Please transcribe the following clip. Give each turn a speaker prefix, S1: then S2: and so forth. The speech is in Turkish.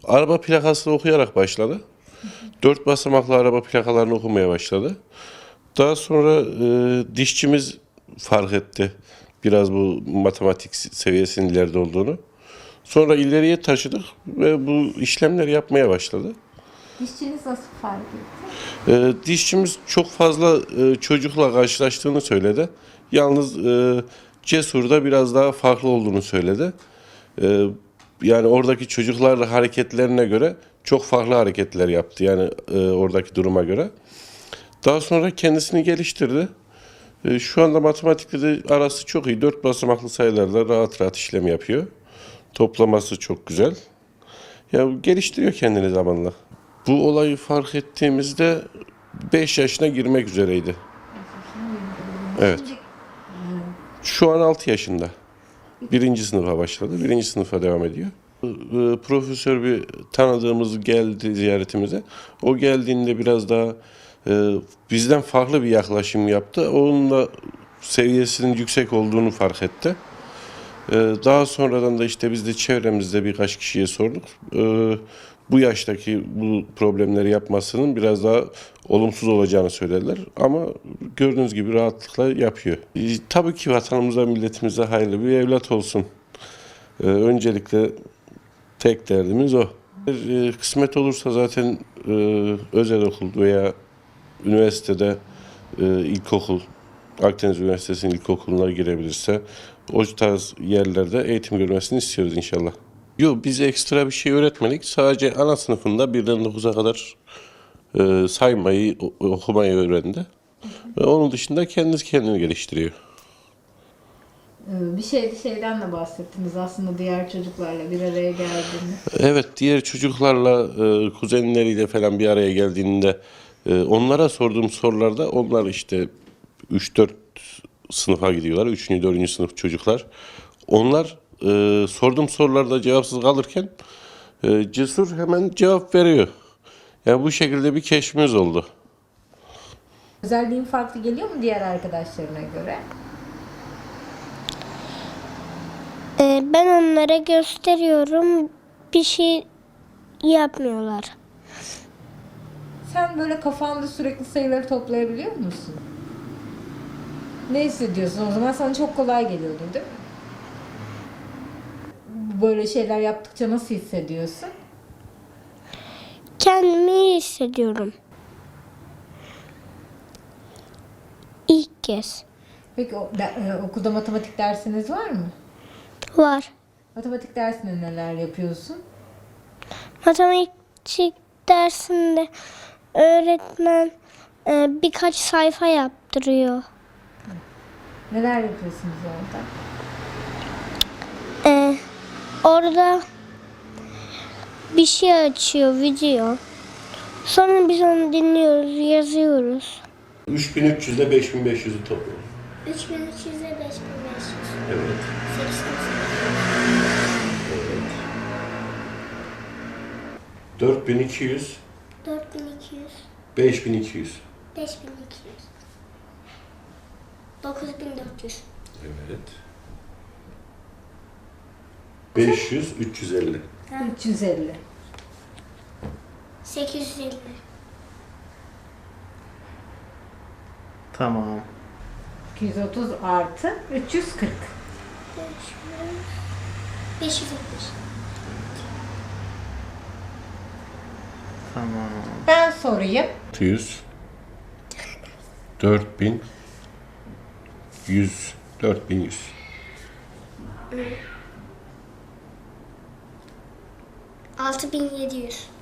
S1: Araba plakasını okuyarak başladı. 4 basamaklı araba plakalarını okumaya başladı. Daha sonra dişçimiz fark etti biraz bu matematik seviyesinin ileride olduğunu. Sonra ileriye taşıdık ve bu işlemleri yapmaya başladı.
S2: Dişçiniz nasıl fark etti?
S1: Dişçimiz çok fazla çocukla karşılaştığını söyledi. Yalnız Cesur'da biraz daha farklı olduğunu söyledi. Yani oradaki çocuklar hareketlerine göre çok farklı hareketler yaptı. Yani oradaki duruma göre. Daha sonra kendisini geliştirdi. Şu anda matematikte de arası çok iyi. 4 basamaklı sayılarla rahat rahat işlem yapıyor. Toplaması çok güzel. Ya geliştiriyor kendini zamanla. Bu olayı fark ettiğimizde 5 yaşına girmek üzereydi. Evet. Şu an 6 yaşında. 1. sınıfa başladı. 1. sınıfa devam ediyor. Profesör bir tanıdığımız geldi ziyaretimize. O geldiğinde biraz daha bizden farklı bir yaklaşım yaptı. Onun da seviyesinin yüksek olduğunu fark etti. Daha sonradan da işte biz de çevremizde birkaç kişiye sorduk. Bu yaştaki bu problemleri yapmasının biraz daha olumsuz olacağını söylediler. Ama gördüğünüz gibi rahatlıkla yapıyor. Tabii ki vatanımıza, milletimize hayırlı bir evlat olsun. Öncelikle tek derdimiz o. Kısmet olursa zaten özel okul veya üniversitede ilkokul, Akdeniz Üniversitesi'nin ilkokuluna girebilirse o tarz yerlerde eğitim görmesini istiyoruz inşallah. Yok, biz ekstra bir şey öğretmedik. Sadece ana sınıfında 1'den 9'a kadar saymayı, okumayı öğrendi. Ve onun dışında kendisi kendini geliştiriyor.
S2: Bir şeyden de bahsettiniz aslında diğer çocuklarla bir araya geldiğini.
S1: Evet, diğer çocuklarla, kuzenleriyle falan bir araya geldiğinde onlara sorduğum sorularda onlar işte 3-4 sınıfa gidiyorlar. 3. 4. sınıf çocuklar. Onlar sorduğum sorularda cevapsız kalırken Cesur hemen cevap veriyor. Yani bu şekilde bir keşfimiz oldu.
S2: Özelliğin farklı geliyor mu diğer arkadaşlarına göre?
S3: Ben onlara gösteriyorum. Bir şey yapmıyorlar.
S2: Sen böyle kafanda sürekli sayıları toplayabiliyor musun? Ne hissediyorsun? O zaman sana çok kolay geliyordur değil mi? Böyle şeyler yaptıkça nasıl hissediyorsun?
S3: Kendimi iyi hissediyorum. İlk kez.
S2: Peki okulda matematik dersiniz var mı?
S3: Var.
S2: Matematik dersinde neler yapıyorsun?
S3: Matematik dersinde öğretmen birkaç sayfa yaptırıyor.
S2: Neler yapıyorsunuz orada?
S3: Orada bir şey açıyor, video. Sonra biz onu dinliyoruz, yazıyoruz.
S1: 3300 ile 5500'ü topluyor.
S3: 3300 ile 5500.
S1: Evet. 4200,
S3: 4200,
S1: 5200.
S3: 5200, 9400.
S1: Evet. 500, 350.
S2: 350.
S3: 850.
S4: Tamam.
S2: 230 artı 340.
S3: 570.
S4: Tamam.
S2: Ben sorayım.
S1: 600, 4000, 100, 4100.
S3: 6700.